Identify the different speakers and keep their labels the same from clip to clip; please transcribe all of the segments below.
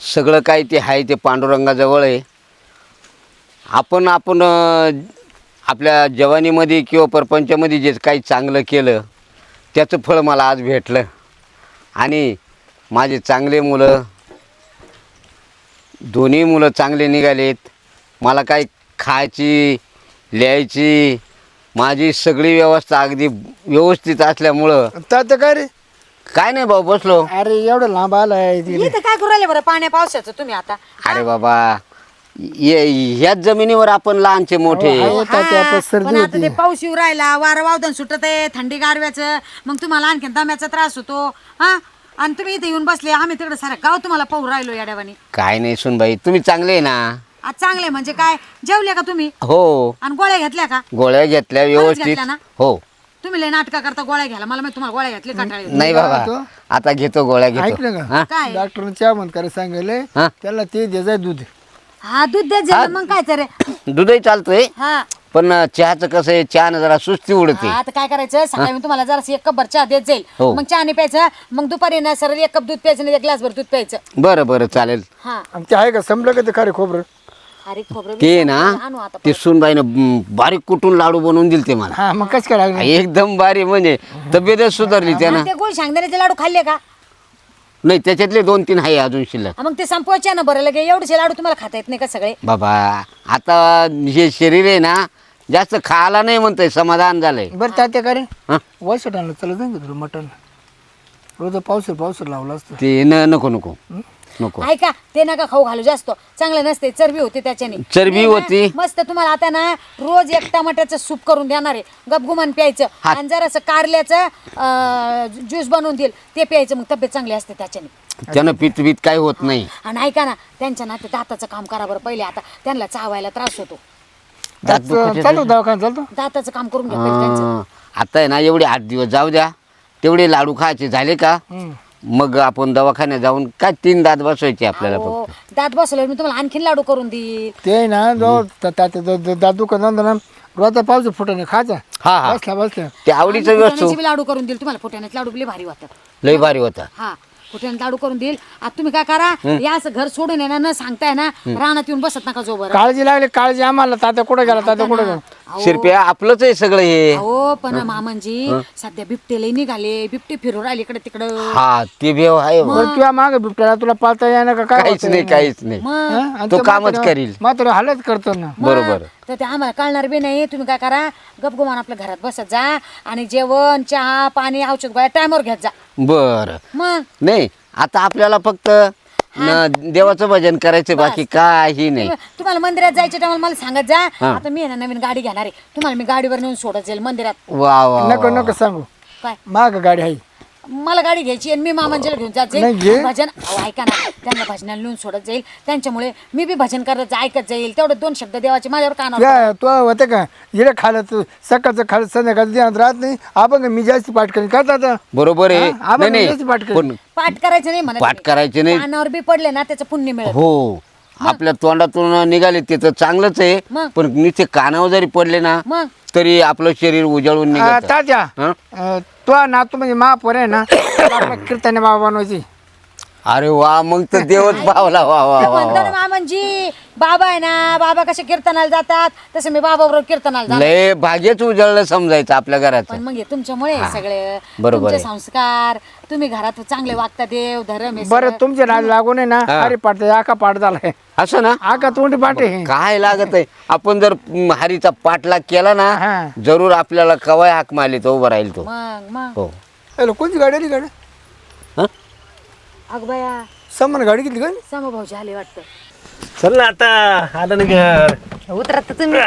Speaker 1: सगळं काय ते आहे ते पांडुरंगाजवळ आहे. आपण आपल्या जवानीमध्ये किंवा परपंचामध्ये जे काही चांगलं केलं त्याचं फळ मला आज भेटलं. आणि माझे चांगले मुलं, दोन्ही मुलं चांगले निघालेत. मला काही खायची लिहायची माझी सगळी व्यवस्था अगदी व्यवस्थित असल्यामुळं
Speaker 2: तात्या काय रे?
Speaker 1: काय नाही भाऊ, बसलो.
Speaker 2: अरे एवढं लांब आलाय
Speaker 3: इथं काय करू राहिले बरं पाण्या पावसाचं तुम्ही आता?
Speaker 1: अरे बाबा, ह्याच जमिनीवर आपण लहानचे मोठे.
Speaker 2: हो, तात्या,
Speaker 3: हा,
Speaker 2: आपण सर्दी
Speaker 3: पण आता
Speaker 2: होती.
Speaker 3: ते पाऊस येऊ राहिला, वारं वावदन सुटत आहे, थंडी गारव्याचं, मग तुम्हाला आणखीन दम्याचा त्रास होतो. हा, आणि तुम्ही इथे येऊन बसले, आम्ही तिकडे सारा गाव तुम्हाला पाहू राहिलो याड्यावानी.
Speaker 1: काय नाही सुनबाई, तुम्ही चांगले आहे ना?
Speaker 3: आज चांगले म्हणजे काय, जेवले का तुम्ही?
Speaker 1: हो,
Speaker 3: आणि गोळ्या घेतल्या का?
Speaker 1: गोळ्या घेतल्या व्यवस्थित.
Speaker 3: घेतल्या ना?
Speaker 1: हो.
Speaker 3: तुम्ही लय नाटका करता गोळ्या घ्यायला, मला माहिती तुम्हाला गोळ्या घेतली कंटाळी.
Speaker 1: नाही बाबा, आता घेतो गोळ्या घेतो.
Speaker 2: ऐकलं
Speaker 1: हा?
Speaker 2: का?
Speaker 3: काय?
Speaker 2: डॉक्टरने चहा बंद करायला सांगितलंय.
Speaker 1: हा?
Speaker 2: त्याला ते द्यायचं दूध.
Speaker 3: हा, दूध देत जाईल मग काय तर.
Speaker 1: दूधही चालतोय,
Speaker 3: हा,
Speaker 1: पण चहाचं कसं आहे, चहानं जरा सुस्ती उडते.
Speaker 3: आता काय करायचं, सकाळी मी तुम्हाला जरा एक कप भर चहा देत जाईल,
Speaker 1: हो.
Speaker 3: मग चहा नाही प्यायचं, मग दुपारी ना सरळ एक कप दूध प्यायचं नाही, एक ग्लास भर दूध प्यायचं.
Speaker 1: बरं बरं, चालेल.
Speaker 3: हा,
Speaker 2: आणि ते आहे का संपलं का ते खरे खोबरं?
Speaker 3: अरे खोबरं
Speaker 1: ते ना,
Speaker 3: आणू आता.
Speaker 1: ते सुनबाईनं बारीक कुटून लाडू बनवून दिले ते मला.
Speaker 2: हा मग कसं काय लागलं?
Speaker 1: एकदम बारीक, म्हणजे तब्येतच सुधारली त्यानं.
Speaker 3: ते गोड शेंगदाण्याचे लाडू खाल्ले का?
Speaker 1: नाही, त्याच्यातले 2-3 आहे अजून शिल्लक.
Speaker 3: मग ते संपवायचे ना बरं, लगे एवढेचे लाडू तुम्हाला खाता येत नाही का सगळे?
Speaker 1: बाबा, आता हे शरीर आहे ना, जास्त खायला नाही म्हणतंय, समाधान झालंय.
Speaker 2: बरं तात्या का रे?
Speaker 1: हा?
Speaker 2: वैसट आणलं चला जाईन का तुला मटण? रोज पावसर लावलं असतं.
Speaker 1: ते नको नको नको.
Speaker 3: ऐका, ते नका खाऊ घालू जास्त, चांगलं नसते, चरबी होते त्याच्याने.
Speaker 1: चरबी
Speaker 3: नाही ना,
Speaker 1: होती.
Speaker 3: मस्त तुम्हाला आता ना रोज एक टमाट्याचं सूप करून देणार आहे, गपगुमान प्यायचं,
Speaker 1: हा.
Speaker 3: आणि जरासं कारल्याचं ज्यूस बनवून देईल ते प्यायचं, मग तब्येत चांगली असते त्याच्याने.
Speaker 1: त्यानं पित काय होत नाही.
Speaker 3: आणि ऐका ना, त्यांच्या ना ते दाताचं काम करा बरं पहिले, आता त्यांना चावायला त्रास होतो,
Speaker 1: दात दुखायचे.
Speaker 2: चालतो दवाखाना चालतो.
Speaker 3: दाताचं काम करून घ्या पहिले त्यांचं.
Speaker 1: हा, आता आहे ना, एवढे 8 दिवस जाऊ द्या, तेवढे लाडू खायचे झाले का, मग आपण दवाखान्यात जाऊन काय 3 दात बसवायचे आपल्याला
Speaker 3: अहो,
Speaker 1: फक्त.
Speaker 3: दात बसल्यावर मी तुम्हाला आणखीन लाडू करून देईल.
Speaker 2: ते ना जो तात्या दादू का ना रोज पावसर फुटाने खायचा.
Speaker 1: हा हा,
Speaker 2: बसल्या
Speaker 1: ते आवडीचं
Speaker 3: आणि
Speaker 1: वस्तू
Speaker 3: फुटाण्याचे बी लाडू करून देईल तुम्हाला, फुटाण्याचे लाडू बी भारी वाटतात.
Speaker 1: लय भारी होता.
Speaker 3: हा, फुटाण्याचे लाडू करून देईल. आता तुम्ही काय करा, या असं घर सोडून येणार न सांगताय ना, रानात येऊन बसत नका जो बरं.
Speaker 2: काळजी लागली, काळजी आम्हाला. तात्या कुठं गेला? तात्या कुठं गेला?
Speaker 1: शिरप्या, आपलंच आहे सगळं हे.
Speaker 3: हो, पण मामनजी सध्या बिबटे लय निघाले, बिबटे फिरू राहिले इकडे तिकडं.
Speaker 1: हा, ते भेव आहे हो.
Speaker 2: बरं तुला माग बिबट्याला तुला पाळता येणार का काय?
Speaker 1: काहीच नाही, काहीच नाही.
Speaker 3: मग
Speaker 1: तो कामच करील.
Speaker 2: मात्र हालत करतो ना.
Speaker 1: बरोबर.
Speaker 3: तर ते आम्हाला कळणार बी नाही. तुम्ही काय करा, गपगुमान आपल्या घरात बसत जा, आणि जेवण चहा पाणी औषध गोळ्या टायमवर घेत जा.
Speaker 1: बर,
Speaker 3: मग
Speaker 1: नाही आता आपल्याला फक्त देवाचं भजन करायचं, बाकी काही नाही.
Speaker 3: तुम्हाला मंदिरात जायच्या टायमाला मला सांगत जा.
Speaker 1: हा.
Speaker 3: आता मी आहे ना नवीन गाडी घेणार आहे, तुम्हाला मी गाडीवर नेऊन सोडत जाईल मंदिरात.
Speaker 1: वा वा
Speaker 2: नको नको सांगू.
Speaker 3: काय,
Speaker 2: माग गाडी आहे.
Speaker 3: मला गाडी घ्यायची आणि मी मामांजीला घेऊन जात
Speaker 2: नाही, घे.
Speaker 3: जाईल. भजन अहो, ऐका ना, त्यांना भजनाला नेऊन सोडत जाईल, त्यांच्यामुळे मी बी भजन करत ऐकत जाईल. तेवढे 2 शब्द देवाचे माझ्यावर कानावर.
Speaker 2: या तो होते का इकडे खायला तू सकाळचं खायला संध्याकाळचं ध्यानात राहत नाही. आपण का मी जास्त पाठ करेन का दादा?
Speaker 1: बरोबर आहे.
Speaker 2: हा, आपण
Speaker 1: नाही
Speaker 2: जास्त पाठ
Speaker 1: नाही,
Speaker 2: करेन.
Speaker 1: पण
Speaker 3: पाठ करायचं नाही म्हणत
Speaker 1: पाठ
Speaker 3: मी.
Speaker 1: करायचे नाही.
Speaker 3: कानावर बी पडले ना त्याचं पुण्य मिळत.
Speaker 1: हो, आपल्या तोंडातून निघाले ते तर चांगलंच आहे,
Speaker 3: मग?
Speaker 1: पण नुसते कानावर जरी पडले ना
Speaker 3: मग
Speaker 1: तरी आपलं शरीर उजळून निघत.
Speaker 2: तात्या
Speaker 1: हं?
Speaker 2: तो नातू म्हणजे महापोर आहे ना, आपल्या कीर्तने बाबा बनवायची.
Speaker 1: अरे वा, मग तर देवच पावला. वा वा वा
Speaker 3: म्हणतो ना मामनजी, बाबा आहे ना, बाबा कसे कीर्तनाला जातात तसं मी बाबा बरोबर कीर्तनाला जातो.
Speaker 1: लय भाग्यच उजळलं समजायचं आपल्या
Speaker 3: पण
Speaker 1: घराचं.
Speaker 3: मग हे तुमच्यामुळे सगळे
Speaker 1: बरोबर
Speaker 3: तुमचे
Speaker 1: आहे.
Speaker 3: संस्कार, तुम्ही घरात चांगले वागता, देव धर्म हे
Speaker 2: बरं
Speaker 3: सगळं.
Speaker 2: तुमचे नाद लागून आहे ना,
Speaker 1: हा.
Speaker 2: अरे पाठ आका पाठ झालाय.
Speaker 1: असं ना,
Speaker 2: आका तोंडी पाठ आहे.
Speaker 1: काय लागत आहे, आपण जर हरीचा पाठलाग केला ना,
Speaker 2: हा.
Speaker 1: जरूर आपल्याला कवाय हाक मारली तो उभा राहील तो.
Speaker 3: मग
Speaker 1: हो.
Speaker 2: हॅलो, कोणती गाडी आली? गाडी
Speaker 1: हं?
Speaker 3: अगबया
Speaker 2: समान गाडी किती गाडी?
Speaker 3: समभाऊजी आले वाटतं.
Speaker 4: चल ना, आता आलं ना घर.
Speaker 3: उतरत तुम्ही.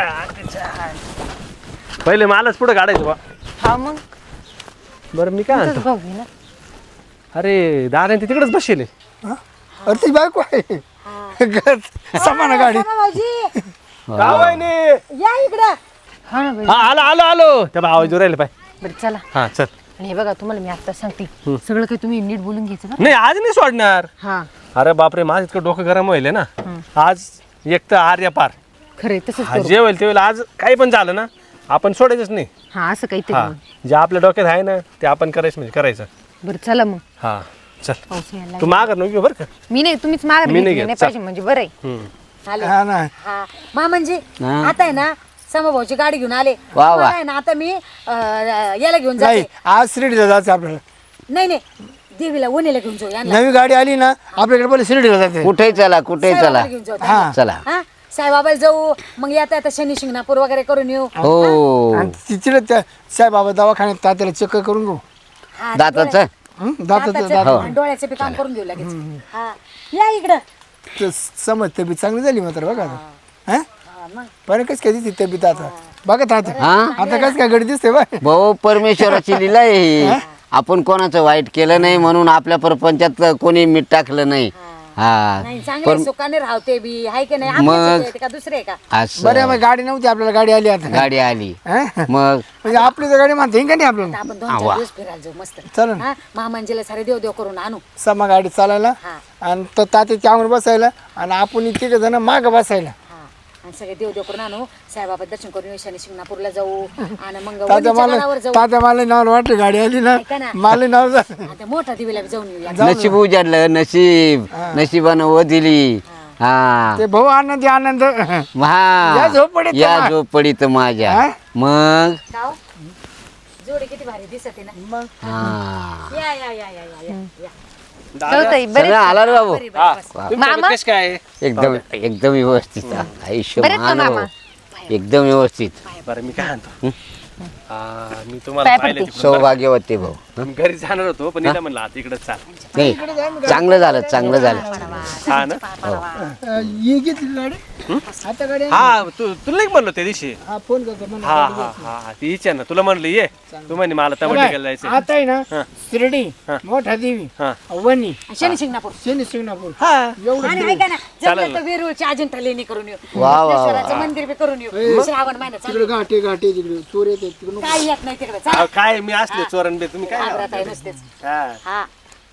Speaker 4: पहिले मालच पुढे काढायचं बा.
Speaker 3: हा, मग
Speaker 4: बरं मी काय म्हणतो,
Speaker 3: भाऊ आहे ना.
Speaker 4: अरे दादा ते तिकडेच बसले.
Speaker 2: हा? अरे ती बायको आहे. समान गाडी.
Speaker 3: समभाऊजी या इकडं. हा ना बाई.
Speaker 4: हा, आलो आलो आलो. त्या आवाज राहिले पाय.
Speaker 3: बरं चला.
Speaker 4: हा चल.
Speaker 3: आणि हे बघा, तुम्हाला मी आता सांगते, सगळं काही तुम्ही नीट बोलून घ्यायचं बरं.
Speaker 4: नाही, आज नाही सोडणार.
Speaker 3: हा,
Speaker 4: अरे बापरे, माझं इतकं डोकं गरम व्हायले ना आज. एक तर आर्या पार
Speaker 3: खरंय तसंच
Speaker 4: हा,
Speaker 3: करू.
Speaker 4: जे होईल ते होईल. आज काही पण झालं ना, आपण सोडायचंच नाही.
Speaker 3: हा, असं काहीतरी
Speaker 4: हा,
Speaker 3: मग.
Speaker 4: जे आपल्या डोक्यात आहे ना ते आपण करायचं, म्हणजे करायचं.
Speaker 3: बरं चला मग.
Speaker 4: हा, चल
Speaker 5: पाऊस यायला
Speaker 4: तू माघार नको घेऊ बरं का
Speaker 5: मी नाही तुम्हीच माघार
Speaker 4: मी नाही
Speaker 5: घेतली
Speaker 4: घेत,
Speaker 5: नाही
Speaker 4: चल.
Speaker 5: पाहिजे म्हणजे बरं आहे
Speaker 4: हम्म.
Speaker 3: आले
Speaker 2: हा ना
Speaker 3: हा मा म्हणजे
Speaker 1: हा.
Speaker 3: आता आहे ना समभाऊची गाडी घेऊन आले
Speaker 1: वा, वा.
Speaker 3: मला आहे ना आता मी याला घेऊन
Speaker 2: नाही
Speaker 3: जाते
Speaker 2: आज शिर्डीला जायचं आपल्याला
Speaker 3: नाही देवीला वणीला घेऊन जाऊ यांना
Speaker 2: नवी गाडी आली ना आपल्याकडे पहिले शिर्डीला जाते
Speaker 1: कुठेही चला कुठेही चला
Speaker 3: साईबाबाला घेऊन जाऊ
Speaker 2: हा
Speaker 1: चला
Speaker 3: हा साईबाबाला जाऊ मग येता येता शनी शिंगणापूर वगैरे करून येऊ
Speaker 1: हो
Speaker 2: आणि तिकडे त्या साईबाबा दवाखान्यात तात्याला चेक करून घेऊ
Speaker 3: हा,
Speaker 1: दाताचं
Speaker 2: दातात
Speaker 3: दाताचं आणि डोळ्याचं बी काम करून घेऊ लगेच हा या इकडं
Speaker 2: समज तब्येत चांगली झाली मात्र बघा आता. हा
Speaker 3: हा, मग
Speaker 2: पण कस काय दिसते तब्येत आता बघा आता
Speaker 1: हा
Speaker 2: आता कस काय गडी दिसते बा
Speaker 1: भाऊ परमेश्वराची लीला आहे ही. आपण कोणाचं वाईट केलं नाही म्हणून आपल्या परपंचात कोणी मीठ टाकलं नाही हा
Speaker 3: नाही चांगले सुखाने राहते बी हाय की नाही आपल्याच येते का दुसरे आहे का
Speaker 1: असं
Speaker 2: बरं मग गाडी नव्हती आपल्याला गाडी आली आता
Speaker 1: गाडी आली
Speaker 2: हा?
Speaker 1: मग
Speaker 2: म्हणजे आपली तर गाडी म्हणते का नाही आपल्याला
Speaker 3: आपण 2-4 दिवस फिरायला जाऊ मस्त
Speaker 2: चला ना
Speaker 3: हा महामांजीला सारे देव देव करून आणू
Speaker 2: समा गाडी चालायला
Speaker 3: हा
Speaker 2: आणि तर तात्याच्या अंगवर बसायला आणि आपण तिघ जण माग बसायला
Speaker 3: हा आणि सगळे देव देव करून आणू साईबाबा दर्शन करून येऊ शनी शिंगणापूरला जाऊ आणि मग
Speaker 2: तात्या
Speaker 3: वणीच्या
Speaker 2: मला
Speaker 3: गडावर जाऊ
Speaker 2: तात्या मला नाव वाटलं गाडी आली ना
Speaker 3: ऐका ना.
Speaker 2: मला नाव झालं
Speaker 3: आता मोठा दिवेला बी जाऊन येऊया
Speaker 1: नशीब उजाडलं नशीब नशिबानं व दिली हा
Speaker 2: ते भाऊ आनंदी आनंद या झोपडीत
Speaker 1: या
Speaker 2: मा-
Speaker 1: झोपडीत माझ्या
Speaker 2: हा?
Speaker 1: मग
Speaker 3: गाव जोडी किती भारी दिसत आहे ना
Speaker 2: मग
Speaker 1: हा
Speaker 3: या या या या या या
Speaker 5: कळतंय बरे
Speaker 1: सगळं आला रे बाबू
Speaker 3: बरी बरी बस.
Speaker 4: तुमच्याकडे कसं काय आहे?
Speaker 1: एकदम एकदम व्यवस्थित आयुष्य
Speaker 5: बरेच ना
Speaker 1: मान
Speaker 5: मामा.
Speaker 1: हो. एकदम व्यवस्थित
Speaker 4: बरं मी काय म्हणतो मी तुम्हाला पाहिलं तिकडून.
Speaker 1: सौभाग्यवती भाऊ
Speaker 4: मी घरी जाणार होतो पण इथं म्हणलं आता इकडे चाल
Speaker 1: नाही चांगलं झालं चांगलं झालं
Speaker 4: हा ना
Speaker 2: ये घेतली गाडी आता गाडी आली.
Speaker 4: हा तुला नाही म्हणलो त्या दिवशी
Speaker 2: हा फोन करतो म्हणा.
Speaker 4: हा हा हा ती इच्छा ना तुला म्हणलं ये तू म्हणे मला तमाटिकाला जायचं
Speaker 2: आता आहे ना शिर्डी मोठा देवी
Speaker 4: हा.
Speaker 2: वणी
Speaker 3: आणि शनी शिंगणापूर
Speaker 2: शनी शिंगणापूर
Speaker 4: हा
Speaker 3: आणि ऐका ना जमलं तर वेरूळची अजिंठा लेणी करून येऊ
Speaker 1: वा, वा, वा.
Speaker 3: सिद्धेश्वराचं मंदिर बी करून येऊ श्रावण महिन्यात
Speaker 2: तिकडे घाटे घाटे तिकडे चोर येते तिकडे
Speaker 3: काय येत नाही तिकडे
Speaker 4: अहो, काय मी असले चोरण बे तुम्ही काय
Speaker 3: घाबरत आहे नुसतेच
Speaker 4: हा
Speaker 3: हा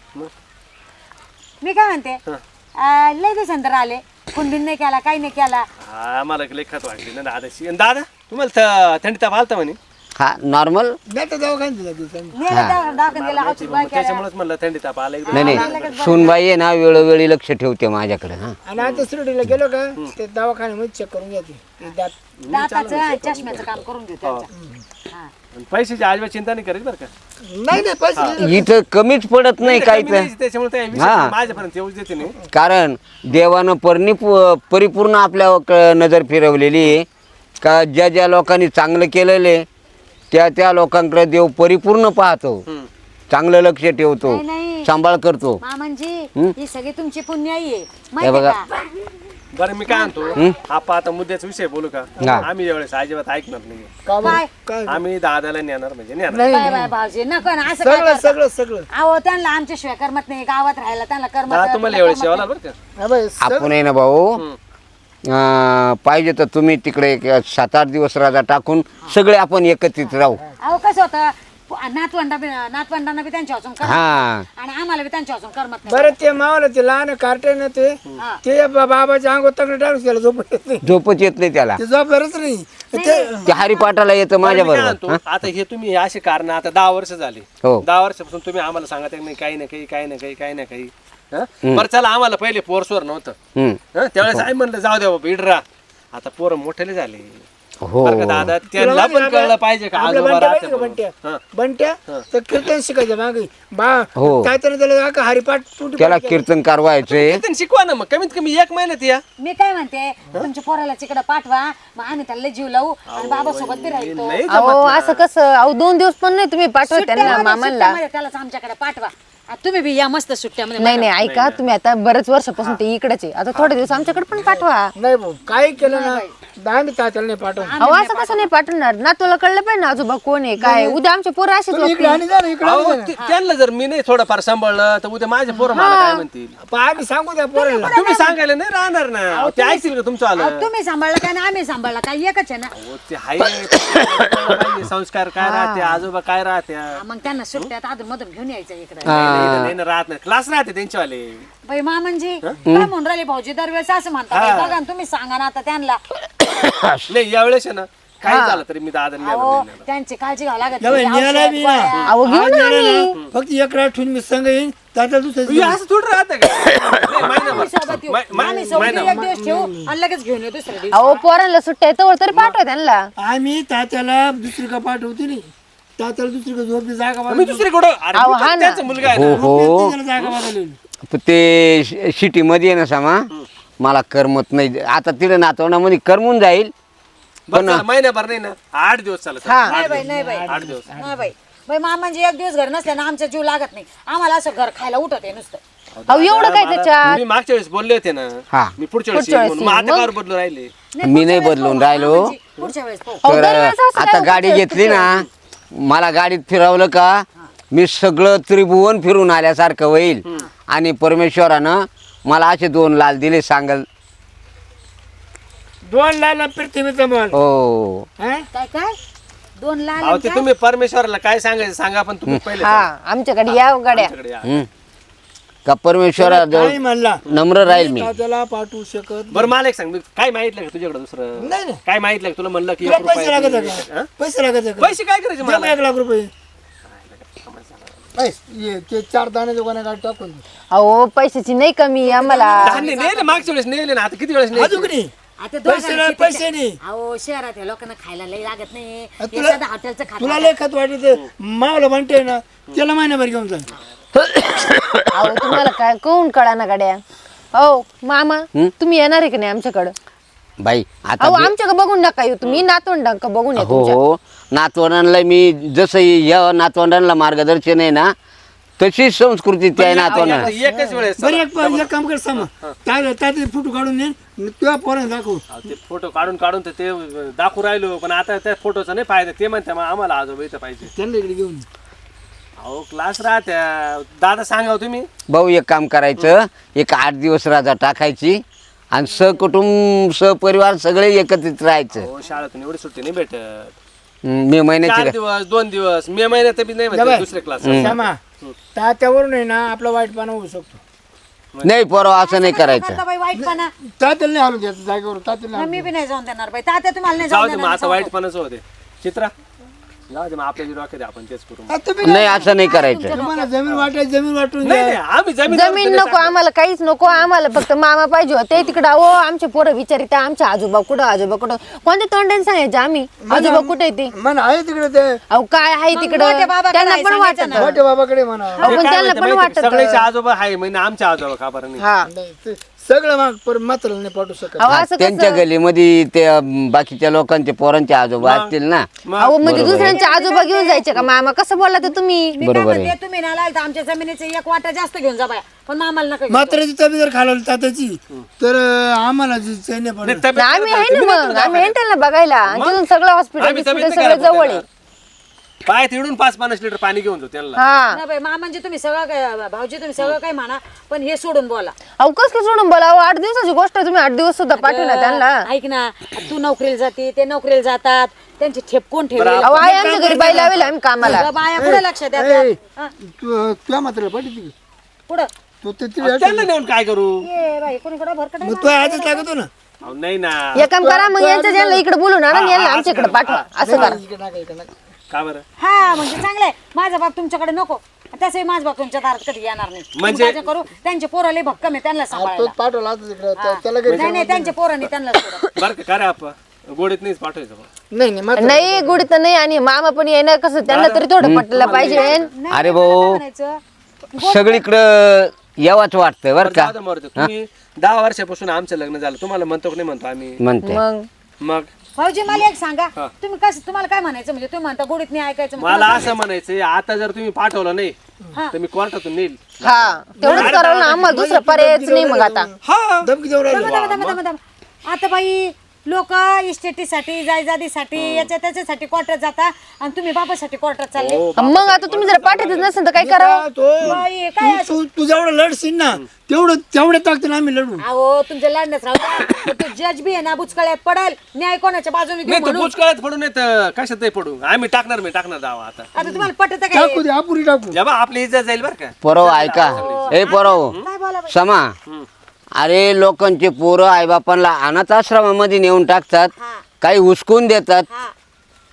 Speaker 3: मी काय म्हणते लय दिवसांतर आले कुंडीन नाही केला काही नाही केला
Speaker 4: हा मला लेखात वाटली ना दादाशी आणि दादा तुम्हाला थंडी ताप आलता म्हणे
Speaker 1: हा नॉर्मल
Speaker 2: नाही तर दवाखान्यात जाते चांगली.
Speaker 3: नेलं दाखवून गेला औषध गोळ्या केल्या.
Speaker 4: त्याच्यामुळेच म्हणलं थंडी ताप आला एकदम
Speaker 1: नाही नाही सुनबाई आहे ना वेळोवेळी लक्ष ठेवते माझ्याकडे हा
Speaker 2: आणि आता शिर्डीला गेलो का ते दवाखान्यामध्ये चेक करून घेते ते दात
Speaker 3: दाताचं आणि चष्म्याचं काम करून घेऊ त्यांच्या हा.
Speaker 4: आणि पैशाची अजिबात चिंता नाही करायची बरं का
Speaker 2: नाही नाही पैसे
Speaker 1: इथं कमीच पडत नाही काही
Speaker 4: कमी
Speaker 1: तर
Speaker 4: द्यायची, त्याच्यामुळे त्या विषय
Speaker 1: हा.
Speaker 4: माझ्यापर्यंत येऊच देते नाही
Speaker 1: कारण देवानं परिपूर्ण आपल्या नजर फिरवलेली आहे का ज्या ज्या लोकांनी चांगलं केलेलं आहे त्या त्या लोकांकडे देव परिपूर्ण पाहतो चांगलं लक्ष ठेवतो
Speaker 3: नाही, नाही.
Speaker 1: सांभाळ करतो
Speaker 3: मामांजी
Speaker 1: हं?
Speaker 3: ही सगळी तुमची पुण्याई आहे
Speaker 1: हे
Speaker 3: माहिती
Speaker 1: बघा.
Speaker 3: का
Speaker 4: बरं मी काय म्हणतो आपण आता मुद्द्याचा विषय बोलू का
Speaker 1: हा.
Speaker 4: आम्ही यावेळेस अजिबात ऐकणार नाही
Speaker 2: का बरं?
Speaker 3: काय
Speaker 2: काय
Speaker 4: आम्ही दादाला नेणार म्हणजे नेणार
Speaker 2: नाही
Speaker 3: बाय बाय भाऊजी नको ना असं काय
Speaker 2: सगळं
Speaker 3: करता?
Speaker 2: सगळं सगळं
Speaker 3: अहो त्यांना आमच्याशिवाय करमत नाही गावात राहायला त्यांना करमत
Speaker 4: हा
Speaker 3: नाही,
Speaker 4: तुम्हाला
Speaker 3: तुला
Speaker 4: यावेळेस
Speaker 3: करमत
Speaker 4: जेवायला बरं का
Speaker 2: हा बाई, सगळं-
Speaker 1: आपण आहे ना भाऊ पाहिजे तर तुम्ही तिकडे 7-8 दिवस राजा टाकून सगळे आपण एकत्रित राहू
Speaker 3: नाही. अहो कसं होतं नातवंडांना बी त्यांच्या वाचून करमत
Speaker 1: हा
Speaker 3: आणि आम्हाला बी त्यांच्या वाचून करमत नाही
Speaker 2: बरं ते मावाला ते लहान कार्टेन ते बाबाच्या अंगावर तंगड टाकून त्याला झोप येत नाही
Speaker 1: झोपच येत नाही त्याला
Speaker 2: ते झोपणारच नाही ते
Speaker 1: ते हरिपाठाला येतं माझ्या
Speaker 4: मी काय
Speaker 1: बरोबर
Speaker 4: म्हणतो, आता हे तुम्ही असे कारण आता 10 वर्ष झाली
Speaker 1: हो
Speaker 4: 10 वर्षापासून तुम्ही आम्हाला सांगत आहे नाही काही ना काही काही ना काही काही ना काही हं? बरं चला आम्हाला पहिले पोरसवर नव्हतं
Speaker 1: हम्म.
Speaker 4: त्यावेळेस आई म्हणलं जाऊ द्या बाबा इडरा आता पोरं मोठेले झाले
Speaker 1: हो
Speaker 4: बरं का दादा त्यांना पण कळलं पाहिजे का
Speaker 2: आपल्या
Speaker 4: आजोबा
Speaker 2: बंट्या
Speaker 4: राहते
Speaker 2: माहिती का
Speaker 4: म्हणून.
Speaker 2: बंट्या
Speaker 4: हं.
Speaker 2: बंट्या तर कीर्तन शिकायचं मागे बा
Speaker 1: हो.
Speaker 2: काय तरी त्याला का हरिपाठ तुटी
Speaker 1: त्याला कीर्तनकार व्हायचंय
Speaker 4: कीर्तन शिकवा ना मग कमीत कमी 1 महिन्यात या
Speaker 3: मी काय म्हणते तुमच्या पोराला तिकडे पाठवा मग आम्ही त्याला जीव लावू आणि बाबा सोबत बी राहील तो.
Speaker 4: नाही
Speaker 5: अहो असं कसं अहो 2 दिवस पण नाही तुम्ही पाठवत त्यांना
Speaker 3: सुट्ट्यामध्ये-
Speaker 5: मामांना
Speaker 3: सुट्ट्यामध्ये त्यालाच आमच्याकडे पाठवा आ, तुम्ही बी या मस्त सुट्ट्यामध्ये
Speaker 5: नाही नाही ऐका तुम्ही आता बरेच वर्षापासून ते इकडेच आहे आता थोडे दिवस आमच्याकडे पण पाठवा
Speaker 2: नाही भाऊ काय केलं ना दांडी तात्याला नाही पाठव
Speaker 5: अहो असं कसं नाही पाठवणार ना तुला कळलं पाहिजे ना आजोबा कोण आहे काय उद्या आमचे पोरं असेच
Speaker 2: तुम्ही इकडे आणि जा ना इकडे
Speaker 4: अहो, त्यांना जर मी नाही थोडंफार सांभाळलं तर उद्या माझे पोरं मला काय म्हणतील
Speaker 2: आम्ही सांगू द्या पोराला
Speaker 4: तुम्ही सांगायला नाही राहणार ना ते ऐकतील का तुमचं आलं
Speaker 3: अहो, तुम्ही सांभाळलं काय ना आम्ही सांभाळलं काय एकच आहे ना
Speaker 4: अहो, ते हाय संस्कार काय राहते आजोबा काय राहते
Speaker 3: हा, मग त्यांना सुट्ट्यात अधून मधून घेऊन यायचं इकडे
Speaker 4: राहत नाही क्लास राहते त्यांच्यावाले
Speaker 3: बाई मामनजी काय म्हणून राहिले भाऊजी दरवेळेस असं म्हणता बाई, बघा ना तुम्ही सांगा ना आता त्यांना
Speaker 4: नाही यावेळेस आहे ना काही झालं तरी मी दादा
Speaker 3: अहो त्यांची काळजी घ्यावी लागत
Speaker 2: जाऊ,
Speaker 3: नाही.
Speaker 2: न्यायला
Speaker 3: औषध,
Speaker 2: बी ना.
Speaker 3: गोळ्या.
Speaker 5: अहो घेऊन आली
Speaker 2: फक्त एक रात ठेवून मी संग येईन तात्याला दुसऱ्या
Speaker 4: हे असं थोडं राहतं का नाही,
Speaker 3: आम्ही सोबत येऊ. आम्ही सोबत येऊ, एक दिवस ठेवू आणि लगेच घेऊन येऊ दुसऱ्या दिवशी.
Speaker 5: अहो पोरांना सुट्ट्या येतो तरी पाठवा त्यांना.
Speaker 2: आम्ही तात्याला दुसरी का पाठवते नाही, तात्याला दुसरी का झोपली जागा
Speaker 4: मी दुसरीकडं अरे
Speaker 5: अहो,
Speaker 4: मी
Speaker 5: हा ना.
Speaker 4: त्यांचा मुलगा आहे ना.
Speaker 1: हो
Speaker 2: जागा बदलली.
Speaker 1: पण ते सिटीमध्ये आहे ना सामा मला करमत नाही. आता तिथे नातवंडामध्ये करमून जाईल
Speaker 4: बरं चला, महिनाभर नाही ना 8 दिवस चालत
Speaker 3: नाही बाई नाही बाई
Speaker 4: 8 दिवस
Speaker 3: नाही बाई बाई म्हणजे एक दिवस घर नसल्या ना आमचा जीव लागत नाही. आम्हाला असं घर खायला उठत आहे नुसतं.
Speaker 5: अहो एवढं काय त्याच्यात.
Speaker 4: मी मागच्या वेळेस बोलले होते ना
Speaker 1: हा.
Speaker 4: मी पुढच्या वेळेस
Speaker 5: पुढच्या
Speaker 4: येईन म्हणून. मग
Speaker 5: वेळेस
Speaker 4: आता कार बदलू राहिले
Speaker 1: मी नाही बदलून राहिलो.
Speaker 3: पुढच्या वेळेस पाहू.
Speaker 5: अहो,
Speaker 1: तर
Speaker 5: दरवेळेस असं
Speaker 1: आता
Speaker 5: काय
Speaker 1: गाडी
Speaker 5: होतं?
Speaker 1: घेतली ना मला गाडीत फिरवलं का मी सगळं त्रिभुवन फिरून आल्यासारखं होईल. आणि परमेश्वरानं मला असे 2 लाल दिले सांगल.
Speaker 2: 2 लाल पृथ्वीचा मल
Speaker 1: हो
Speaker 3: काय काय 2 लाल
Speaker 4: अहो ते तुम्ही परमेश्वराला काय सांगायचं सांगा पण तुम्ही पहिले
Speaker 5: हा आमच्याकडे या गाड्या.
Speaker 4: आमच्याकडे या.
Speaker 1: हम्म. का परमेश्वराजवळ
Speaker 2: काही म्हणला
Speaker 1: नम्र राहील मी.
Speaker 2: तात्याला पाठवू शकत
Speaker 4: बरं मला एक सांग मी काय माहितलं का तुझ्याकडे दुसरं
Speaker 2: नाही नाही.
Speaker 4: काय माहितलं का तुला म्हणलं की
Speaker 2: तुला
Speaker 4: 1
Speaker 2: पैसे लागत
Speaker 4: रुपया
Speaker 2: आहे का
Speaker 4: हा?
Speaker 2: पैसे लागत आहे का
Speaker 4: पैसे काय करायचे
Speaker 2: दे मग
Speaker 4: मला
Speaker 2: 1 लाख रुपये ये ते 4 दाणे दुकाना गाडी टाकून दे.
Speaker 5: अहो पैशाची नाही कमी आम्हाला.
Speaker 4: धान्य नेले मागच्या वेळेस नेले ना आता किती वेळेस नेले
Speaker 2: अजून नाही
Speaker 3: आता
Speaker 2: पैसे नाही, पैसे नाही.
Speaker 3: अहो शहरात या लोकांना खायला लई लागत नाही.
Speaker 2: तुला-
Speaker 3: एखादं हॉटेलचं खात
Speaker 2: तुला लय खत वाटत मावला म्हणते ना त्याला महिनाभर घेऊन जा
Speaker 5: अहो तुम्हाला काय कोण कळा ना गाड्या. हो मामा तुम्ही येणार आहे का नाही आमच्याकडं.
Speaker 1: बाई आता
Speaker 5: अहो आमच्याकडे बघून नका येऊ तुम्ही नातवंडांक बघून या तुमच्या.
Speaker 1: हो नातवंडांना मी जसं या नातवंडांना मार्गदर्शन आहे ना तशीच संस्कृती त्या नातवंडांना.
Speaker 4: एकच वेळेस
Speaker 2: बरं एक काम कर सामा तात्याचे फोटो काढून ये तुझ्या पोरांना दाखव
Speaker 4: अहो, ते फोटो काढून तर ते दाखवू राहिलो पण आता त्या फोटोचा नाही फायदा ते म्हणते मग आम्हाला आजोबा इथं पाहिजे
Speaker 2: त्यांना इकडे घेऊन ये.
Speaker 4: अहो क्लास राहत्या दादा सांगा हो तुम्ही
Speaker 1: भाऊ एक काम करायचं 8 दिवस राजा टाकायची आणि सहकुटुंब सहपरिवार सगळे एकत्रित राहायचं.
Speaker 4: हो शाळेतून एवढी सुट्टी नाही भेटत
Speaker 1: मे
Speaker 4: 4
Speaker 1: महिन्याची
Speaker 4: दिवस 2 दिवस मे महिन्यात बी नाही म्हणते दुसरे क्लास
Speaker 2: सामा तात्यावरून आहे ना आपला वाईटपणा होऊ शकतो.
Speaker 1: नाही पोरं असं नाही करायचं.
Speaker 3: करता बाई वाईटपणा.
Speaker 2: तात्याला नाही हलून द्यायचं जागेवर तात्याला
Speaker 3: मी बी नाही जाऊन देणार बाई. तात्या तुम्हाला नाही
Speaker 4: जाऊ
Speaker 3: जाऊन
Speaker 4: दे मग
Speaker 3: देणार.
Speaker 4: आता वाईटपणाच होते चित्रा जाऊ दे मग आपल्या जी डोक्यात आहे, आपण तेच करू
Speaker 2: आता तुम्ही
Speaker 1: नाही असं नाही करायचं.
Speaker 2: तुम्हाला जमीन वाटायची जमीन वाटून
Speaker 4: नाही
Speaker 2: द्या.
Speaker 4: नाही आम्ही
Speaker 5: जमीन नको आम्हाला काहीच नको आम्हाला फक्त मामा पाहिजे होते तिकडं. अहो आमचे पोरं विचारित आमचे आजोबा कुठं कोणत्या तोंडाने सांगायचे आम्ही आजोबा कुठे ते.
Speaker 2: मन आहे तिकडे ते
Speaker 5: अहो काय आहे
Speaker 3: मग
Speaker 5: तिकडं
Speaker 3: मोठ्या बाबाकडे
Speaker 5: त्यांना
Speaker 3: आहे,
Speaker 5: पण
Speaker 3: सांगायचं
Speaker 5: वाटत.
Speaker 3: ना.
Speaker 2: मोठ्या बाबाकडे म्हणा
Speaker 5: अहो, पण त्यांना पण वाटत.
Speaker 4: सगळ्याचे आजोबा आहे म्हणजे आमचे आजोबा का बरं नाही
Speaker 5: हा
Speaker 2: नाही, ते सगळं मग पर मात्र नाही पाठवू शकत.
Speaker 5: अहो असं
Speaker 1: त्यांच्या
Speaker 5: कसं.
Speaker 1: गलीमध्ये ते बाकीच्या लोकांचे पोरांचे आजोबा असतील ना.
Speaker 5: अहो म्हणजे दुसऱ्यांचे आजोबा घेऊन जायचे का मामा कसं बोलला ते तुम्ही.
Speaker 3: मी काय
Speaker 1: बरोबर आहे.
Speaker 3: म्हणते तुम्ही ना लाल तर आमच्या जमिनीचे 1 वाटा जास्त घेऊन जा बाया पण आम्हाला नका घेऊ.
Speaker 2: मात्राची तब्येत जर खालावली तात्याची तर आम्हाला जी चैन नाही पडत.
Speaker 4: तब्येत
Speaker 5: आम्ही आहे
Speaker 4: तुम्ही
Speaker 5: ना
Speaker 4: नाही
Speaker 5: मग
Speaker 4: तुला
Speaker 5: आम्ही एंटेलला बघायला आणि तिथून सगळं हॉस्पिटल
Speaker 4: आम्ही तब्येत
Speaker 5: सगळं
Speaker 4: नाही
Speaker 5: जवळ आहे.
Speaker 4: खराब पाय तिडून 5-5 लिटर पाणी घेऊन जाऊ त्यांना
Speaker 5: हा
Speaker 3: नाही बाई म्हणजे तुम्ही सगळं काय भाऊजी तुम्ही सगळं काय म्हणा पण हे सोडून बोला.
Speaker 5: अहो कस काय सोडून बोला. अहो 8 दिवसाची गोष्ट आहे तुम्ही 8 दिवस सुद्धा पाठवणार त्यांना.
Speaker 3: ऐक ना तू नोकरीला जाते ते नोकरीला जातात त्यांची ठेप कोण ठेवली.
Speaker 5: अहो आहे आमच्या घरी बाई लावेल आम्ही कामाला.
Speaker 3: बाया पुढे लक्ष द्या
Speaker 2: ए,
Speaker 3: हा,
Speaker 2: तुझ्या मात्र पाठी
Speaker 3: पुढं
Speaker 2: तू ते तिला
Speaker 4: त्यांना नेऊन काय करू
Speaker 3: ये बाई कोणीकडे भरकट
Speaker 2: मग तू आजच लागतो ना
Speaker 4: अहो, नाही ना
Speaker 5: एक काम करा मग यांच्या ज्यांना इकडे बोलून आणा आणि यांना आमच्या इकडे पाठवा असं करा.
Speaker 2: इकडे नका, इकडे नका.
Speaker 4: का बरं
Speaker 3: हा म्हणजे चांगलंय माझा बाप तुमच्याकडे नको तसंही माझा बाप तुमच्या दारात कधी येणार नाही.
Speaker 4: म्हणजे-
Speaker 3: तुम्ही काळजी करू त्यांचे पोराले भक्कम आहे त्यांना
Speaker 2: तोच
Speaker 3: सांभाळायला.
Speaker 2: पाठवला आता तिकडे त्याला घरी
Speaker 3: नाही नाही त्यांच्या पोरांनी त्यांना सोडा.
Speaker 4: बरं का काय रे आपा गोडीत नाहीच पाठवायचं बा.
Speaker 2: नाही नाही मात्र
Speaker 5: नाही गुढी तर नाही आणि मामा पण येणार कसं त्यांना तरी थोडं पटलं पाहिजे.
Speaker 3: नाही,
Speaker 1: अरे
Speaker 3: मला
Speaker 1: भाऊ.
Speaker 3: काय म्हणायचं
Speaker 1: सगळीकडं यावाच वाटतं बरं का.
Speaker 4: जाऊ दे, मरू दे. तुम्ही 10 वर्षापासून आमचं लग्न झालं तुम्हाला म्हणतो की नाही म्हणतो आम्ही
Speaker 1: म्हणते
Speaker 5: मग
Speaker 4: मग
Speaker 3: भाऊजी मला एक सांगा तुम्ही कसं तुम्हाला काय म्हणायचं म्हणजे तुम्ही म्हणता गोडीत नाही ऐकायचं मग
Speaker 4: मला असं म्हणायचंय आता जर तुम्ही पाठवलं नाही तर मी कोर्टातून नेईल
Speaker 5: हा तेवढंच करावं ना आम्हाला दुसरं पर्यायच नाही मग आता.
Speaker 4: हा
Speaker 2: धमकी देऊ राहिलो.
Speaker 3: दम. आता बाई लोक इस्टेटीसाठी जायजादीसाठी याच्या त्याच्यासाठी कोर्टात जाता आणि तुम्ही बाबासाठी कोर्टात चालले.
Speaker 5: मग आता तुम्ही जर पाठवतच नसेल तर काय करावं.
Speaker 3: बाई, काय
Speaker 2: तू जेवढं लढशील ना तेवढं ताकदीने आम्ही लढू.
Speaker 3: अहो तुमच्या लढण्यात राहू द्या. तो जज बी आहे ना बुचकळ्यात पडेल न्याय कोणाच्या बाजूने घेऊ
Speaker 4: नाही तर
Speaker 3: म्हणून.
Speaker 4: बुचकळ्यात पडू नाही तर कशातही पडू आम्ही टाकणार दावा आता
Speaker 3: आता तुम्हाला पटत काय
Speaker 2: टाकू दे अपुरी टाकू.
Speaker 4: जेव्हा आपली इज्जत जाईल बरं का
Speaker 1: पोरव ऐका ए पोरव
Speaker 3: काय बोला बाई?
Speaker 1: समा अरे लोकांचे पोरं आईबापांना अनाथ आश्रमामध्ये नेऊन टाकतात
Speaker 3: हा.
Speaker 1: काही हुसकून देतात
Speaker 3: हा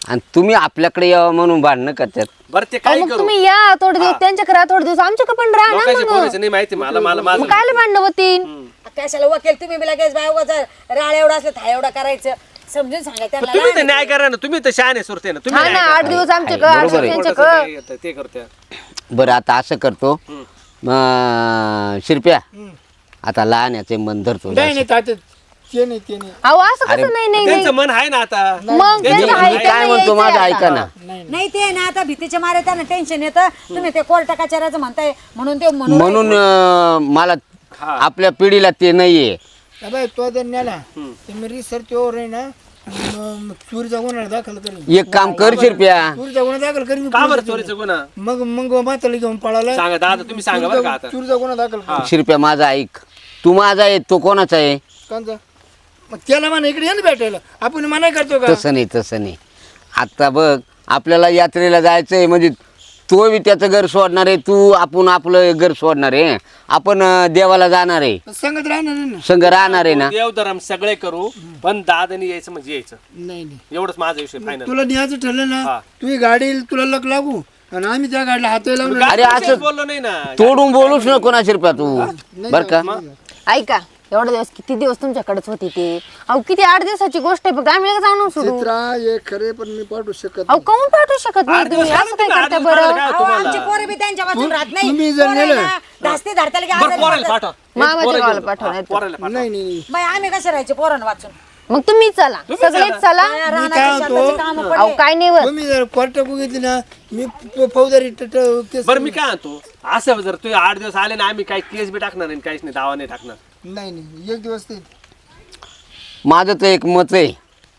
Speaker 1: आणि तुम्ही आपल्याकडे यावं म्हणून भांडणं करतात.
Speaker 4: बरं ते
Speaker 5: अहो,
Speaker 4: काय
Speaker 5: मग
Speaker 4: करू
Speaker 5: तुम्ही या थोडे दिवस त्यांच्याकडे राहा, थोडे दिवस आमच्याकडे पण राहा ना
Speaker 4: लोकांच्या
Speaker 5: मग.
Speaker 4: पोरीचं नाही माहिती मला मला माझं
Speaker 5: मग कायला भांडणं होतील?
Speaker 3: कशाला वकील तुम्ही बी लगेच बाय राळ एवढा असलं था एवढा करायचं समजून सांगा त्यांना
Speaker 4: तुम्ही तर
Speaker 3: लहान
Speaker 4: न्याय करा ना तुम्ही तर शहाणे सुरते ना तुम्ही
Speaker 5: हा ना,
Speaker 4: न्याय करा.
Speaker 5: 8 दिवस आमच्याकडे 8
Speaker 1: बरोबर
Speaker 5: दिवस
Speaker 1: आहे.
Speaker 5: त्यांच्याकडे.
Speaker 4: थोडंसं नाही येतं, ते करते
Speaker 1: बरं आता असं करतो शिरप्या आता लहान याचे मन धरतो
Speaker 2: नाही नाही तात्या ते नाही ते नाही
Speaker 5: अहो असं कसं नाही नाही
Speaker 4: त्यांचं मन आहे ना आता
Speaker 5: मग त्यांचं
Speaker 1: मी
Speaker 5: आहे
Speaker 1: काय
Speaker 5: त्यांना
Speaker 1: म्हणतो
Speaker 5: यायचंय
Speaker 1: माझं
Speaker 5: आता.
Speaker 1: ऐका ना.
Speaker 3: नाही ते ना आता भीतीच्या मारे त्यांना टेन्शन येतं तुम्ही ते कोर्ट कचऱ्याचं म्हणताय म्हणून ते
Speaker 1: म्हणून मला आपल्या पिढीला ते नाहीये.
Speaker 2: बाय तो जर नेला तर मी रिसर्च ओवर आहे ना चोरीचा गुन्हा दाखल करेन
Speaker 1: एक काम कर शिरप्या,
Speaker 2: चोरीचा गुन्हा दाखल करेन
Speaker 4: का बरं चोरीचं गुन्हा
Speaker 2: मग म्हाताला घेऊन पळाला
Speaker 4: सांगा दादा तुम्ही सांगा बरं का आता
Speaker 2: चोरीचा गुन्हा दाखल कर
Speaker 1: शिरप्या माझा ऐक. तू माझा आहे तो कोणाचा आहे?
Speaker 2: कोणचा मग त्याला म्हणा इकडे ये ना भेटायला आपण मनाई करतो का
Speaker 1: तसं नाही तसं नाही. आता बघ आपल्याला यात्रेला जायचंय म्हणजे तो बी त्याचं घर सोडणार आहे, तू आपण आपलं घर सोडणार आहे, आपण देवाला जाणार आहे,
Speaker 2: संगत राहणार नाही ना
Speaker 1: संघ राहणार आहे ना.
Speaker 4: देवधर्म सगळे करू पण दादानी यायचं म्हणजे यायचं
Speaker 2: नाही नाही
Speaker 4: एवढंच माझा विषय फायनल
Speaker 2: तुला न्यायचं ठरलं ना तुझी गाडी तुला लक लागू आणि आम्ही त्या गाडीला हात लावून
Speaker 1: अरे असं
Speaker 4: बोललो नाही ना
Speaker 1: तोडून बोलूच नको ना शिरप्या तू बर का.
Speaker 5: ऐका एवढे दिवस किती दिवस तुमच्याकडेच होती ते. अहो किती 8 दिवसाची गोष्ट आहे फक्त आम्ही लगेच आणून सोडू.
Speaker 2: चित्रा हे खरे पण मी पाठवू शकत
Speaker 5: अहो काहून पाठवू शकत नाही तुम्ही असं काय करता बरं?
Speaker 3: आमची पोरं बी त्यांच्या वाचून राहत नाही
Speaker 2: तुम्ही जर
Speaker 3: पोरं आहे
Speaker 2: नेलं-
Speaker 3: ना, धास्ती धरताला की
Speaker 4: बरं
Speaker 3: आजारी
Speaker 4: पोराला
Speaker 3: पडतात.
Speaker 4: पाठवा
Speaker 5: मामाच्या गावाला पाठवणार
Speaker 4: पोराला पाठवा
Speaker 2: नाही नाही
Speaker 3: बाई आम्ही कसे राहायचे पोरांना वाचून
Speaker 5: मग तुम्ही चला सगळेच चला.
Speaker 3: रानाची शेताची कामं
Speaker 5: अहो
Speaker 3: पडले.
Speaker 5: काय नाही होत.
Speaker 2: तुम्ही जर कोर्ट बघितली ना मी फौजदारी केस
Speaker 4: बरं मी काय म्हणतो असं जर तुम्ही 8 दिवस आले ना आम्ही काही केस बी टाकणार नाही काहीच नाही दावा नाही टाकणार
Speaker 2: नाही नाही एक दिवस ते
Speaker 1: माझं तर एक मत आहे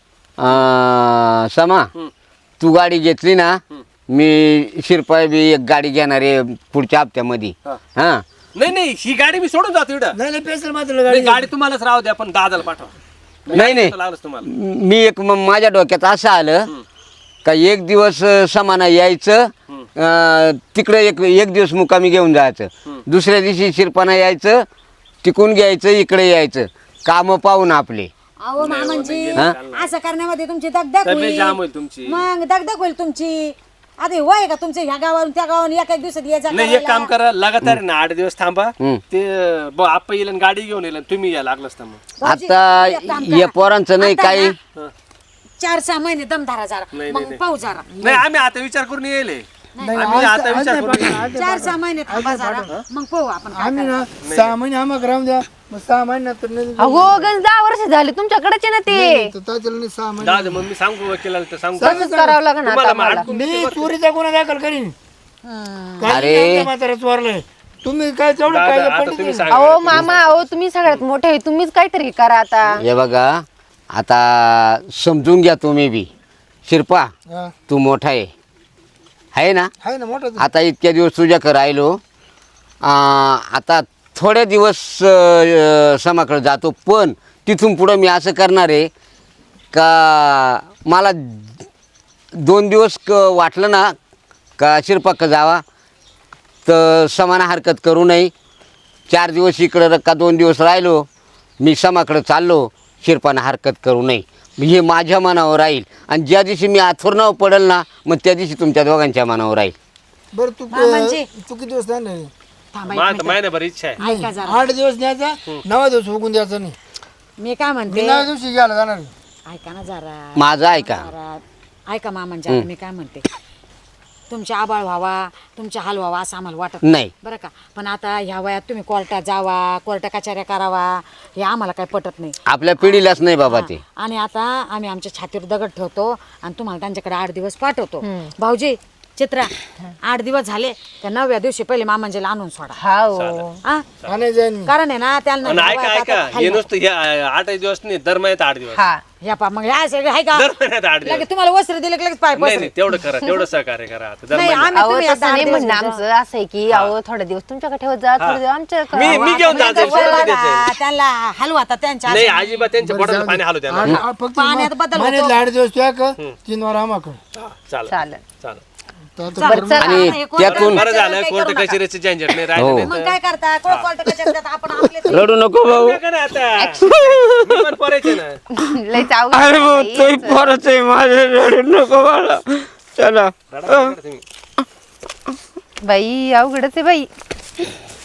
Speaker 1: समा तू गाडी घेतली ना मी शिरपाय बी एक गाडी घेणार आहे पुढच्या हप्त्यामध्ये. हा
Speaker 4: नाही नाही ही गाडी मी सोडून जातो इकडं
Speaker 2: नाही नाही पेशल मात्र
Speaker 4: नाही,
Speaker 2: गाडी
Speaker 4: गाडी तुम्हालाच राहू द्या पण दादाला पाठवा
Speaker 1: नाही नाही
Speaker 4: लागलंच तुम्हाला
Speaker 1: मी एक माझ्या डोक्यात असं आलं का एक दिवस समाना यायचं तिकडे एक दिवस मुक्कामी घेऊन जायचं, दुसऱ्या दिवशी शिरपाना यायचं तिकून घ्यायचं इकडे यायचं, कामं पाहून आपले.
Speaker 3: अहो मामांची
Speaker 1: हा?
Speaker 3: असं करण्यामध्ये तुमची दगदग
Speaker 4: तब्येत जाम
Speaker 3: होईल
Speaker 4: होईल तुमची
Speaker 3: मग दगदग होईल तुमची. आता हे वय का तुमचं ह्या गावावरून त्या गावावरून एक दिवसात यायचा
Speaker 4: नाही एक काम करा लगातार ना 8 दिवस थांबा
Speaker 1: हम्म.
Speaker 4: ते आप्पा येईल आणि गाडी घेऊन येईल आणि तुम्ही या लागलंच तर मग
Speaker 1: आता या पोरांचं नाही काही
Speaker 3: 4-6 महिने दमधारा जरा
Speaker 4: नाही,
Speaker 3: मग
Speaker 4: नाही.
Speaker 3: पाहू जरा
Speaker 4: नाही आम्ही आता विचार करून येईल
Speaker 2: नाही,
Speaker 4: आम्ही
Speaker 2: आज-
Speaker 4: आता
Speaker 2: आज
Speaker 4: विचार
Speaker 2: नाही
Speaker 4: करून
Speaker 2: पाठवणार,
Speaker 4: येईल.
Speaker 2: आज नाही
Speaker 3: 4-6 महिने थांबा जरा मग पाहू आपण काय
Speaker 2: आम्ही ना 6 महिने आम्हाला राहून द्या मग 6 महिन्यात नाही
Speaker 5: अहो गंज 10 वर्ष झाले तुमच्याकडेच आहे ना ते.
Speaker 2: तात्याला नाही 6 महिने
Speaker 4: दादा मग मी सांगू वकिलाला तर सांगू
Speaker 5: तसंच करावं लागेल आता
Speaker 4: तुम्हाला मग
Speaker 5: आम्हाला.
Speaker 4: अडकून
Speaker 2: मी चोरीचा गुन्हा दाखल करीन
Speaker 1: अरे.
Speaker 2: म्हातारा चोरलंय तुम्ही काय तेवढं
Speaker 4: दादा,
Speaker 2: काय
Speaker 4: आता
Speaker 2: पंडित
Speaker 4: तुम्ही
Speaker 2: आहे?
Speaker 4: सांगा
Speaker 5: अहो मामा अहो तुम्ही सगळ्यात मोठे आहे. तुम्हीच काहीतरी करा आता.
Speaker 1: हे बघा आता समजून घ्या तुम्ही बी. शिरपा
Speaker 2: हा.
Speaker 1: तू मोठा आहे ना.
Speaker 2: आहे ना मोठं
Speaker 1: आता इतक्या दिवस तुझ्याकडे राहिलो आता थोडे दिवस समाकडे जातो पण तिथून पुढं मी असं करणार आहे का मला 2 दिवस वाटलं ना का शिरपाक जावा तर समाना हरकत करू नये. 4 दिवस इकडं का 2 दिवस राहिलो मी समाकडं चाललो शिरपानं हरकत करू नये. हे माझ्या मनावर राहील आणि ज्या दिवशी मी आथोरणावर पडेल ना मग त्या दिवशी तुमच्या दोघांच्या मनावर राहील.
Speaker 2: बरं तू
Speaker 3: मामांची.
Speaker 2: तू किती दिवस नाही
Speaker 3: थांबा एक
Speaker 4: माझं
Speaker 3: मिनिट.
Speaker 4: महिनाभर इच्छा आहे
Speaker 3: ऐका जरा
Speaker 2: 8 दिवस न्यायचा 9 दिवस उगून द्यायचा नाही
Speaker 3: मी काय
Speaker 2: मी
Speaker 3: म्हणते
Speaker 2: 9 दिवशी घ्यायला जाणार
Speaker 3: ऐका ना जरा
Speaker 1: माझं ऐका.
Speaker 3: जरा ऐका मामांच्या मी काय म्हणते तुमचे आबाळ व्हावा तुमचे हाल व्हावा असं आम्हाला वाटत
Speaker 1: नाही.
Speaker 3: बरं का. पण आता ह्या वयात तुम्ही कोर्टात जावा कोर्ट कचऱ्या करावा हे आम्हाला काही पटत नाही.
Speaker 1: आपल्या पिढीलाच नाही बाबा ते.
Speaker 3: आणि आता आम्ही आमच्या छातीवर दगड ठेवतो आणि तुम्हाला त्यांच्याकडे 8 दिवस पाठवतो. भाऊजी चित्रा 8 दिवस झाले त्या 9व्या दिवशी पहिले मामांजीला आणून सोडा.
Speaker 5: हाव
Speaker 3: हा?
Speaker 2: आणि जाईन मी
Speaker 3: कारण आहे ना त्यांना
Speaker 4: आणि
Speaker 3: ह्या
Speaker 4: ऐका
Speaker 3: वयात
Speaker 4: ऐका
Speaker 3: आता
Speaker 4: हे
Speaker 3: खाली-
Speaker 4: नुसतं हे 8 दिवस नाही दर महिन्यात 8 दिवस
Speaker 5: हा
Speaker 3: ह्या पा मग ह्या सगळे आहे का
Speaker 4: दर महिन्यात 8 दिवस
Speaker 3: लगेच तुम्हाला वस्त्र दिले की लगेच पाय
Speaker 4: नाही
Speaker 3: पसरे.
Speaker 4: नाही तेवढं करा तेवढं सहकार्य करा आता दर
Speaker 3: नाही,
Speaker 4: महिन्यात
Speaker 3: आम्ही
Speaker 5: अहो
Speaker 3: तुम्ही
Speaker 5: तसं
Speaker 3: आता
Speaker 5: नाही
Speaker 3: 8 दिवस
Speaker 5: म्हणणं
Speaker 3: घ्यायचं.
Speaker 5: आमचं असं आहे की अहो थोडे दिवस तुमच्याकडे ठेवत जा थोडे दिवस आमच्याकडे.
Speaker 4: मी घेऊन जातो
Speaker 3: त्यांच्या
Speaker 4: सोडून
Speaker 3: वयाला
Speaker 4: द्यायचं.
Speaker 3: त्यांना हलवाता त्यांच्या
Speaker 4: नाही
Speaker 3: हातात.
Speaker 4: अजिबात त्यांच्या पोटात पाणी हलू द्या
Speaker 2: फक्त
Speaker 3: पाण्यात बदल होतो.
Speaker 2: महिन्यातले 8 दिवस तुया कर 3 वार आम्हाला
Speaker 4: चालेल
Speaker 5: चालेल
Speaker 4: चालेल
Speaker 5: बरं चला.
Speaker 1: आणि
Speaker 3: हे कोर्ट
Speaker 1: त्यातून
Speaker 4: बरं झालं
Speaker 3: काही
Speaker 4: कोर्ट
Speaker 3: करू नका.
Speaker 4: कचेरीची झंझट नाही
Speaker 1: हो.
Speaker 4: राहिली
Speaker 3: मग काय करता कोर्ट कचेरीत आपण आपले
Speaker 1: रडू नको भाऊ.
Speaker 4: आता मी पण पोरायचे ना
Speaker 5: लयच अवघड
Speaker 1: अरे भाऊ
Speaker 5: बाई.
Speaker 1: तोही पोरच आहे माझे, रडू नको मला. चला
Speaker 4: रडा नका तुम्ही.
Speaker 5: बाई अवघडच आहे बाई.